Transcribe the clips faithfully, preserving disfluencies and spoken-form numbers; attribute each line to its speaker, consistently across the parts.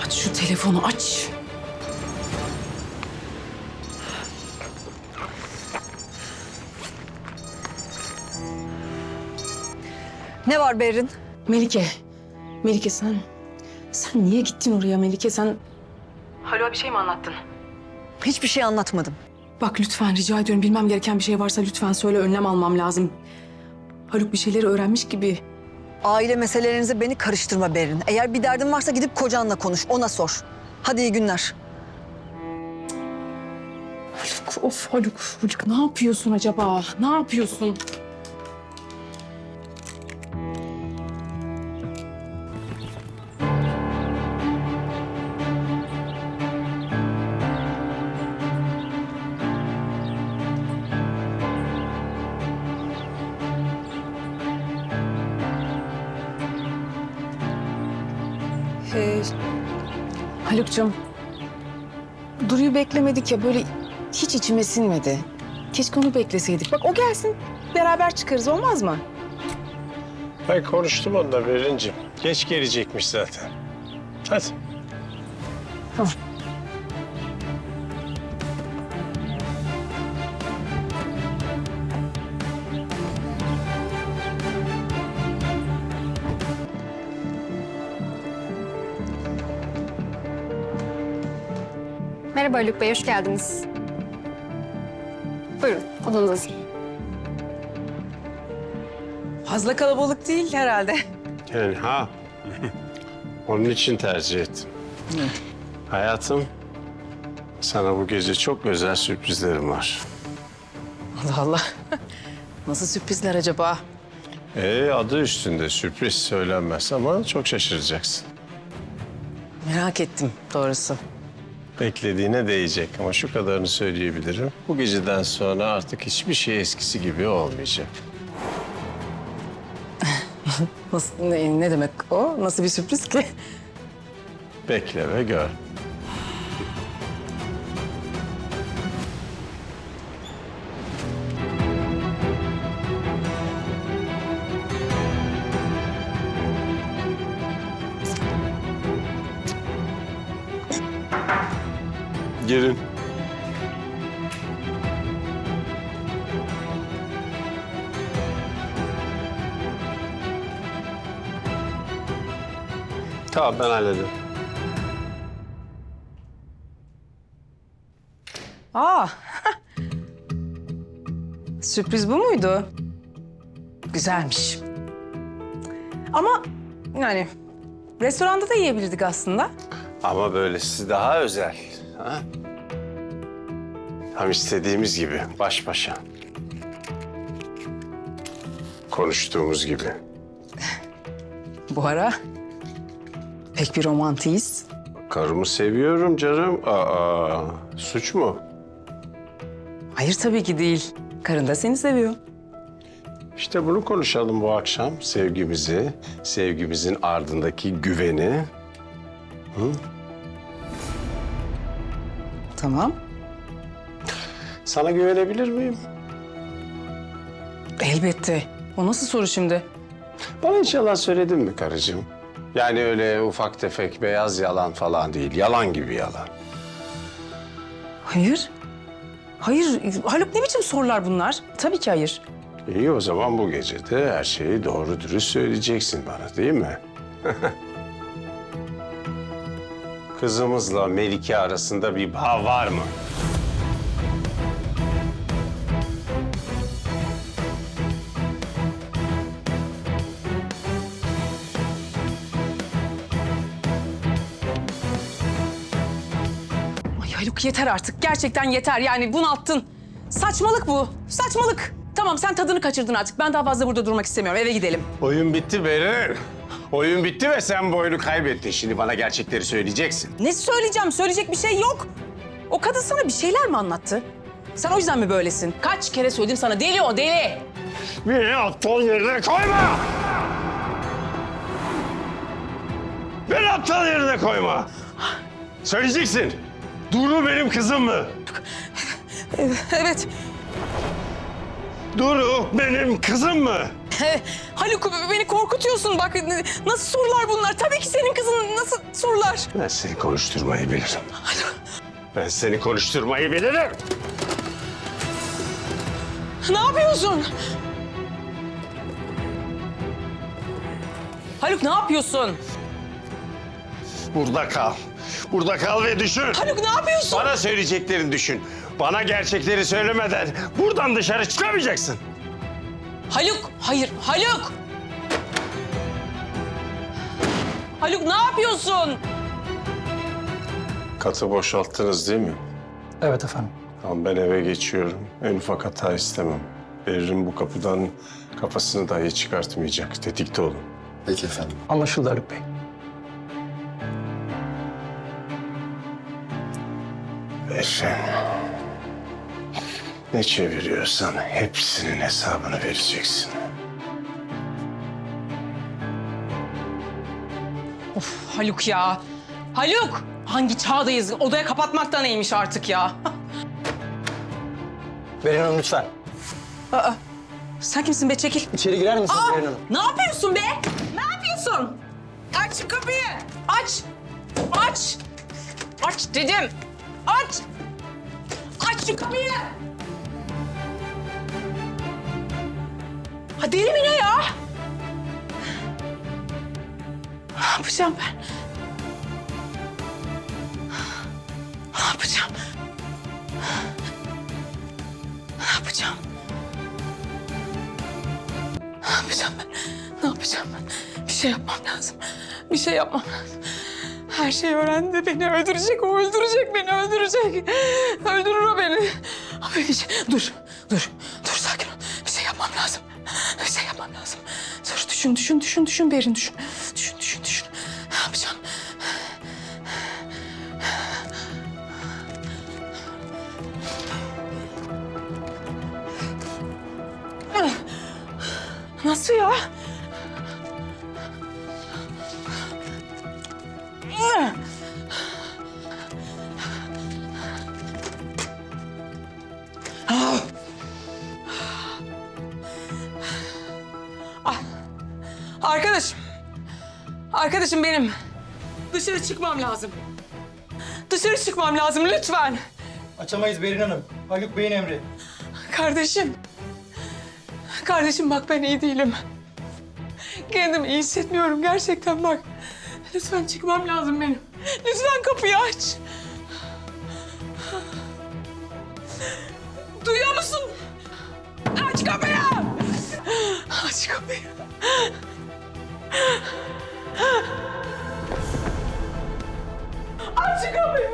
Speaker 1: Aç şu telefonu, aç.
Speaker 2: Ne var Berrin?
Speaker 1: Melike, Melike sen... Sen niye gittin oraya Melike? Sen... Haluk'a bir şey mi anlattın?
Speaker 2: Hiçbir şey anlatmadım.
Speaker 1: Bak lütfen rica ediyorum. Bilmem gereken bir şey varsa lütfen söyle. Önlem almam lazım. Haluk bir şeyleri öğrenmiş gibi.
Speaker 2: Aile meselelerinize beni karıştırma Berrin. Eğer bir derdin varsa gidip kocanla konuş, ona sor. Hadi iyi günler.
Speaker 1: Haluk, of Haluk. Haluk ne yapıyorsun acaba? Ne yapıyorsun? Ee, Haluk'cum, Duru'yu beklemedik ya, böyle hiç içime sinmedi. Keşke onu bekleseydik. Bak o gelsin, beraber çıkarız, olmaz mı?
Speaker 3: Ben konuştum onunla Berincim. Geç gelecekmiş zaten. Hadi.
Speaker 1: Tamam.
Speaker 4: Merhaba Haluk Bey, hoş geldiniz. Buyurun, odanız hazır.
Speaker 1: Fazla kalabalık değil herhalde.
Speaker 3: Yani ha. Onun için tercih ettim. Hayatım, sana bu gece çok özel sürprizlerim var.
Speaker 1: Allah Allah. Nasıl sürprizler acaba?
Speaker 3: Ee, adı üstünde sürpriz söylenmez ama çok şaşıracaksın.
Speaker 1: Merak ettim doğrusu.
Speaker 3: Beklediğine değecek ama şu kadarını söyleyebilirim. Bu geceden sonra artık hiçbir şey eskisi gibi olmayacak.
Speaker 1: Nasıl, ne, ne demek o? Nasıl bir sürpriz ki?
Speaker 3: Bekle ve gör. Girin. Tamam, ben hallederim.
Speaker 1: Aa. Sürpriz bu muydu? Güzelmiş. Ama yani restoranda da yiyebilirdik aslında.
Speaker 3: Ama böylesi daha özel. Ha? Tam istediğimiz gibi, baş başa. Konuştuğumuz gibi.
Speaker 1: Bu ara pek bir romantiyiz.
Speaker 3: Karımı seviyorum canım. Aa, suç mu?
Speaker 1: Hayır tabii ki değil. Karın da seni seviyor.
Speaker 3: İşte bunu konuşalım bu akşam. Sevgimizi, sevgimizin ardındaki güveni. Hı?
Speaker 1: Tamam.
Speaker 3: Sana güvenebilir miyim?
Speaker 1: Elbette. O nasıl soru şimdi?
Speaker 3: Bana hiç yalan söyledin mi karıcığım? Yani öyle ufak tefek beyaz yalan falan değil. Yalan gibi yalan.
Speaker 1: Hayır. Hayır. Haluk ne biçim sorular bunlar? Tabii ki hayır.
Speaker 3: İyi, o zaman bu gece de her şeyi doğru dürüst söyleyeceksin bana, değil mi? Kızımızla Melike arasında bir bağ var mı?
Speaker 1: Ay Haluk yeter artık. Gerçekten yeter. Yani bunalttın. Saçmalık bu. Saçmalık. Tamam sen tadını kaçırdın artık. Ben daha fazla burada durmak istemiyorum. Eve gidelim.
Speaker 3: Oyun bitti Berin. Oyun bitti ve sen bu oyunu kaybettin. Şimdi bana gerçekleri söyleyeceksin.
Speaker 1: Ne söyleyeceğim? Söyleyecek bir şey yok. O kadın sana bir şeyler mi anlattı? Sen o yüzden mi böylesin? Kaç kere söyledim sana. Deli o, deli.
Speaker 3: Beni aptal yerine koyma! Beni aptal yerine koyma! Söyleyeceksin. Duru benim kızım mı?
Speaker 1: Evet.
Speaker 3: Duru benim kızım mı?
Speaker 1: Haluk beni korkutuyorsun. Bak nasıl sorular bunlar? Tabii ki senin kızın. Nasıl sorular?
Speaker 2: yapıyorlar?
Speaker 3: Ben seni konuşturmayı bilirim. Ben seni konuşturmayı bilirim.
Speaker 2: Ne yapıyorsun? Haluk ne yapıyorsun?
Speaker 3: Burada kal. Burada kal ve düşün.
Speaker 2: Haluk ne yapıyorsun?
Speaker 3: Bana söyleyeceklerini düşün. Bana gerçekleri söylemeden buradan dışarı çıkamayacaksın.
Speaker 2: Haluk, hayır Haluk! Haluk ne yapıyorsun?
Speaker 3: Katı boşalttınız değil mi?
Speaker 5: Evet efendim.
Speaker 3: Tamam, ben eve geçiyorum. En ufak hata istemem. Berrin bu kapıdan kafasını dahi çıkartmayacak. Tetikte olun.
Speaker 5: Peki efendim. Anlaşıldı Haluk Bey.
Speaker 3: Berrin. Ne çeviriyorsan hepsinin hesabını vereceksin.
Speaker 2: Of Haluk ya. Haluk! Hangi çağdayız? Odaya kapatmak da neymiş artık ya?
Speaker 5: Berin Hanım lütfen.
Speaker 2: Aa, sen kimsin be? Çekil.
Speaker 5: İçeri girer misiniz
Speaker 2: Aa,
Speaker 5: Berin Hanım?
Speaker 2: ne yapıyorsun be? Ne yapıyorsun? Aç şu kapıyı. Aç. Aç. Aç dedim. Aç. Aç şu kapıyı. Ha deli mi ne ya? Ne yapacağım ben? Ne yapacağım? Ne yapacağım? Ne yapacağım ben? Ne yapacağım ben? Bir şey yapmam lazım. Bir şey yapmam lazım. Her şeyi öğrendi. Beni öldürecek. O öldürecek. Beni öldürecek. Öldürür o beni. Abi bir şey... Dur. Dur. Dur sakin ol. Bir şey yapmam lazım. Bir şey yapmam lazım. Dur düşün, düşün, düşün, düşün Berin düşün. Düşün, düşün, düşün. Ne yapacağım? Nasıl ya? Arkadaşım. Arkadaşım benim. Dışarı çıkmam lazım. Dışarı çıkmam lazım lütfen.
Speaker 5: Açamayız Berin Hanım. Haluk Bey'in emri.
Speaker 2: Kardeşim. Kardeşim bak ben iyi değilim. Kendimi iyi hissetmiyorum gerçekten bak. Lütfen çıkmam lazım benim. Lütfen kapıyı aç. Duyuyor musun? Aç kapıyı. Aç kapıyı. Aç kapıyı.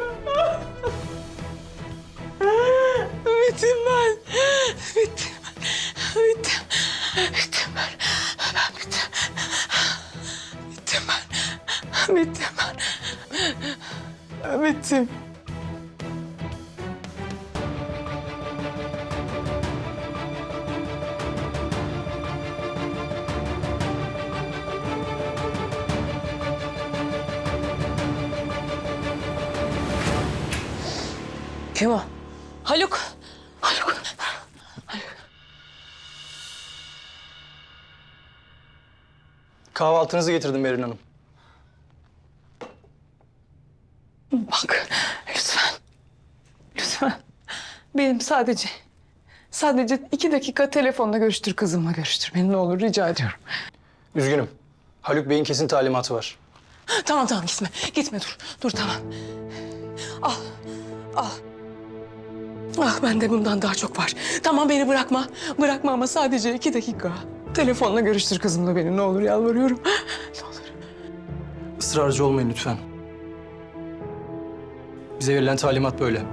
Speaker 2: Bittim ben. Bittim. Bittim. Bittim ben. Ben bittim. Bittim ben. Bittim ben. Bittim. Kim o? Haluk. Haluk.
Speaker 5: Kahvaltınızı getirdim Berin Hanım.
Speaker 2: Bak lütfen. Lütfen. Benim sadece, sadece iki dakika telefonla görüştür kızımla görüştür. Beni ne olur rica ediyorum.
Speaker 5: Üzgünüm. Haluk Bey'in kesin talimatı var.
Speaker 2: Tamam tamam gitme. Gitme dur. Dur tamam. Al. Al. Ah bende bundan daha çok var. Tamam beni bırakma. Bırakma ama sadece iki dakika. Telefonla görüştür kızımla beni ne olur yalvarıyorum. Ne olur.
Speaker 5: Israrcı olmayın lütfen. Bize verilen talimat böyle.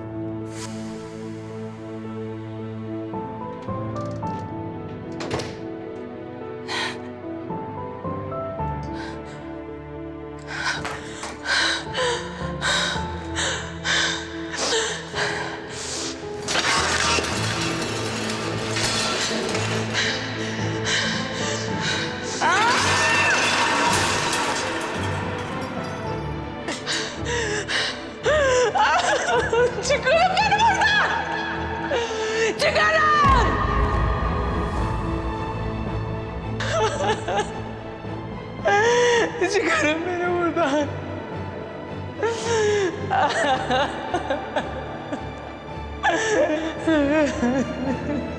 Speaker 2: Çıkarın beni buradan! Çıkarın! Çıkarın beni buradan. Haluk.